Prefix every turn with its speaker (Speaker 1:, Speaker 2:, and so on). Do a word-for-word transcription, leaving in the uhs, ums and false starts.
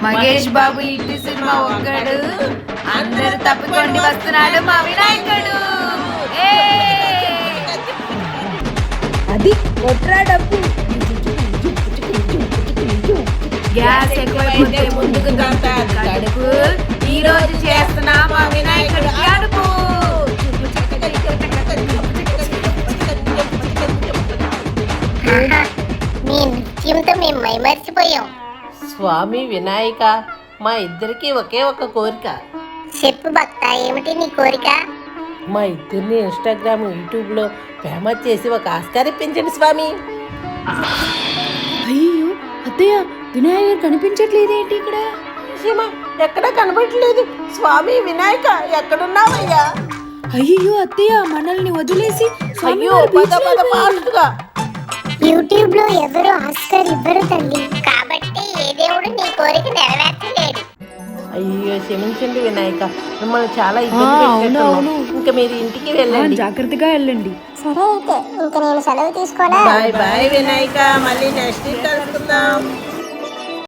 Speaker 1: మహేష్ బాబు ఇంటి సినిమా ఒక్కడు అందరు తప్పుకొని వస్తున్నాడు మా వినాయకుడు.
Speaker 2: అది కొట్రా డబ్బు.
Speaker 1: గ్యాస్ ఎక్కువైపోతే ముందుకు కడుపు. ఈ రోజు చేస్తున్నా మా వినాయకుడు అడుపు.
Speaker 3: మీ నృత్యంతో మేము మైమర్చిపోయాం.
Speaker 4: స్వామి వినాయక, మా ఇద్దరికి ఒకే ఒక కోరిక.
Speaker 3: చెప్పు భక్త, ఏమిటి నీ కోరిక?
Speaker 4: మా ఇద్దరిని ఇన్స్టాగ్రామ్ యూట్యూబ్లో ఫేమస్ చేసి ఒక ఆస్కార్ ఇప్పించండి స్వామి.
Speaker 2: అయ్యో అత్తయ్య, వినాయకుడు కనిపించట్లేదేంటి ఇక్కడ?
Speaker 4: సీమ ఎక్కడా కనబడట్లేదు. స్వామి వినాయక ఎక్కడున్నావయ్యా?
Speaker 2: అయ్యో అత్తయ్య, మనల్ని వదిలేసి
Speaker 4: అయ్యో పద పద ఫాస్ట్గా.
Speaker 3: యూట్యూబ్ లో ఎవరు ఆస్కార్ ఇవ్వరు తల్లి, కాబట్టి ఏ దేవుడు నీ కోరిక నెరవేర్చలేడు.
Speaker 4: అయ్యో క్షమించండి వినాయక, మిమ్మల్ని చాలా ఇబ్బంది పెట్టాను. ఇంకా మీరు ఇంటికి వెళ్ళండి.
Speaker 2: జాగ్రత్తగా వెళ్ళండి.
Speaker 3: సరే అయితే ఇంకా నేను సెలవు తీసుకోనా?
Speaker 4: బాయ్ బాయ్ వినాయక, మళ్ళీ నెక్స్ట్ వీక్ కలుసుకుందాం.